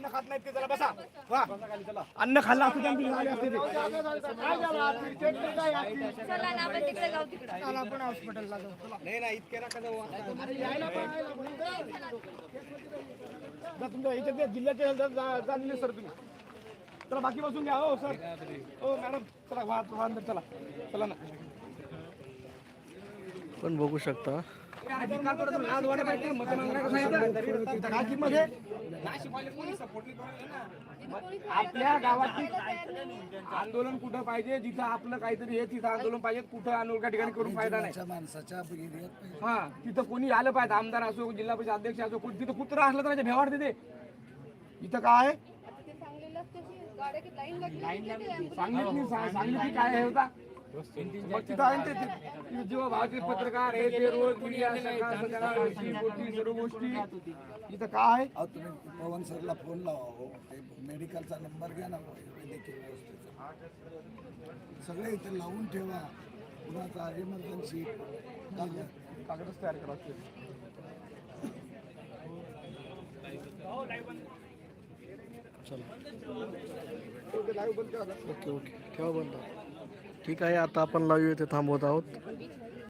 अन्न खात नाहीत ते जरा बसा वा अन्न खाल्लं असतं त्यांनी झाले असते ते चला ना आपण तिकडे जाऊ तिकडे. आपण हॉस्पिटलला जाऊ नाही नाही इतके नका जाऊ तुमच्या इथे जिल्ह्याचे झालेले सर तुम्ही चला बाकी बसून घ्या हो सर हो मॅडम चला वाहन चला चला ना पण बघू शकता आपल्या गावातील आंदोलन कुठं पाहिजे जिथं आपलं काहीतरी हे तिथं आंदोलन पाहिजे कुठं आंदोलन त्या ठिकाणी करून फायदा नाही माणसाच्या हा तिथं कोणी आलं पाहिजे आमदार असो जिल्हा परिषद अध्यक्ष असो कोणी तिथं कुत्रा असलं तर त्याच्या भेवाड देते इथं काय सांगितली काय हे होता मग तिथं आहे ना ते जेव्हा भावाचे पत्रकार हे ते रोज मीडिया सर्व गोष्टी इथं काय तुम्ही पवन सरला फोन लावा हो ते मेडिकलचा नंबर घ्या ना वैद्यकीय व्यवस्थेचा सगळे इथे लावून ठेवा कुणाचा इमर्जन्सी कागदच तयार करा ओके ओके ठेवा बंद ठीक आहे आता आपण लाईव्ह इथे थांबवत आहोत.